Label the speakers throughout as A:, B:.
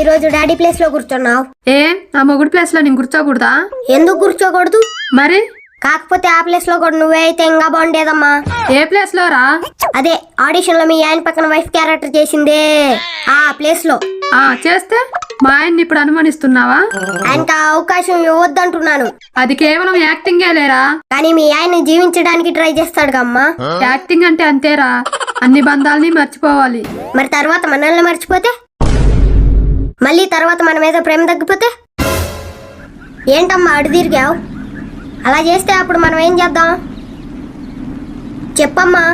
A: ఈ రోజు daddy place లో కూర్చున్నావు?
B: ఏ నా మొగుడు ప్లేస్ లో నేను కూర్చోకూడదా?
A: ఎందుకు కూర్చోకూడదు?
B: మరి
A: కాకపోతే ఆ ప్లేస్ లో కూడా నువ్వే అయితే ఇంకా బాగుండేదమ్మా.
B: ఏ ప్లేస్ లో రా?
A: అదే ఆడిషన్ లో మీ ఆయన పక్కన వైఫ్ క్యారెక్టర్ చేసిందే ఆ ప్లేస్ లో.
B: చేస్తే మా ఆయన్ని ఇప్పుడు అనుమానిస్తున్నావా?
A: ఆయనకు ఆ అవకాశం ఇవ్వద్దంటున్నాను.
B: అది కేవలం యాక్టింగే లేరా?
A: కానీ మీ ఆయన్ని జీవించడానికి ట్రై చేస్తాడు అమ్మా.
B: యాక్టింగ్ అంటే అంతేరా, అన్ని బంధాలని మర్చిపోవాలి.
A: మరి తర్వాత మనల్ని మర్చిపోతే, మళ్ళీ తర్వాత మన మీద ప్రేమ తగ్గిపోతే ఏంటమ్మా అడు తిరిగావు? అలా చేస్తే అప్పుడు మనం ఏం చేద్దాం చెప్పమ్మా.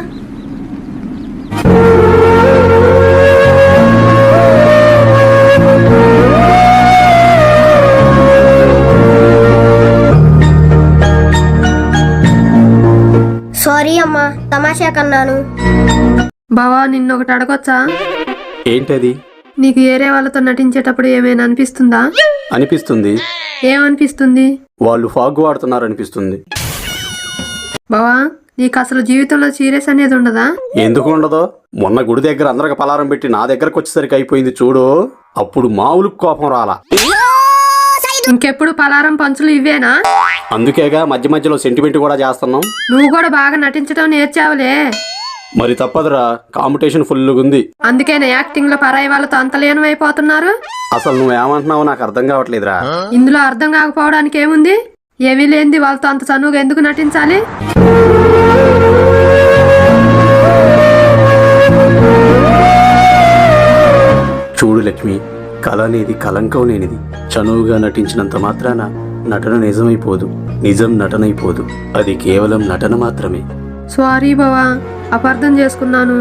A: సారీ అమ్మా, తమాషా కన్నాను.
B: బావా నిన్నొకటి అడగొచ్చా?
C: ఏంటది?
B: నీకు ఏరే వాళ్ళతో నటించేటప్పుడు ఏమైనా అనిపిస్తుందా?
C: అనిపిస్తుంది.
B: ఏమనిపిస్తుంది?
C: వాళ్ళు ఫాగ్ వాడుతున్నారు అనిపిస్తుంది.
B: బావా నీకు అసలు జీవితంలో సీరియస్ అనేది ఉండదా?
C: ఎందుకు ఉండదో? మొన్న గుడి దగ్గర అందరికి పలారం పెట్టి నా దగ్గరకు వచ్చేసరికి అయిపోయింది చూడు, అప్పుడు మామూలు కోపం రాలా.
B: ఇంకెప్పుడు పలారం పంచులు ఇవేనా?
C: అందుకేగా మధ్య మధ్యలో సెంటిమెంట్ కూడా చేస్తున్నాం.
B: నువ్వు కూడా బాగా నటించడం నేర్చావులే.
C: మరి తప్పదురా, కాంపిటీషన్ ఫుల్గా ఉంది.
B: అందుకేనా యాక్టింగ్ లో పరాయి వాళ్ళతో అంత లీనమైపోతున్నారు?
C: అసలు నువ్వేమంటున్నావో నాకు అర్థం కావట్లేదురా.
B: ఇందులో అర్థం కాకపోవడానికి ఏముంది? ఏమీ లేనిది వాళ్ళతో అంత చనువుగా ఎందుకు నటించాలి?
C: చూడు లక్ష్మి, కళ అనేది కలంకం లేనిది. చనువుగా నటించినంత మాత్రాన నటన నిజమైపోదు, నిజం నటనైపోదు. అది కేవలం నటన మాత్రమే.
B: సారీ బావా, అపార్థం చేసుకున్నాను.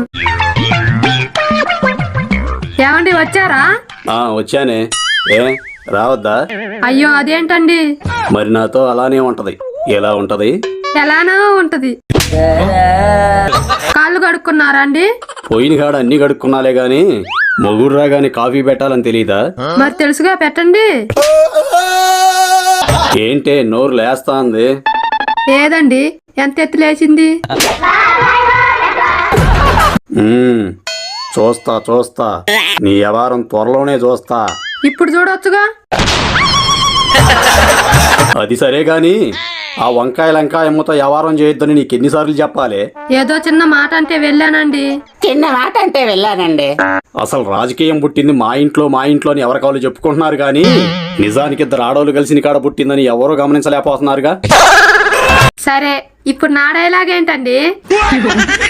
B: ఏమండి వచ్చారా?
C: వచ్చానే. ఏ రావద్దా?
B: అయ్యో అదేంటండి?
C: మరి నాతో అలానే ఉంటది. ఎలా ఉంటది?
B: ఎలానో ఉంటది. కాళ్ళు కడుక్కున్నారా అండి?
C: పోయిన కాడ అన్ని కడుక్కున్నాలే గాని మొగుడు రాగానే కాఫీ పెట్టాలని తెలీదా?
B: మరి తెలుసుగా, పెట్టండి.
C: ఏంటే నోరు లేస్తా ఉంది?
B: లేదండి, ఎంత ఎత్తు లేచింది.
C: చూస్తా చూస్తా, నీ వ్యవహారం త్వరలోనే చూస్తా.
B: ఇప్పుడు చూడొచ్చుగా.
C: అది సరే గాని ఆ వంకాయలంకాయమ్మతో వ్యవహారం చేయొద్దని నీకు ఎన్నిసార్లు చెప్పాలి?
B: ఏదో చిన్న మాట అంటే వెళ్ళానండి.
D: చిన్న మాట అంటే వెళ్ళానండి.
C: అసలు రాజకీయం పుట్టింది మా ఇంట్లోని ఎవరి కాళ్ళు చెప్పుకుంటున్నారు గాని నిజానికి ఇద్దరు ఆడవాళ్ళు కలిసి కాడ పుట్టిందని ఎవరూ గమనించలేకపోతున్నారుగా.
B: సరే ఇప్పుడు నా డైలాగ్ ఏంటండి?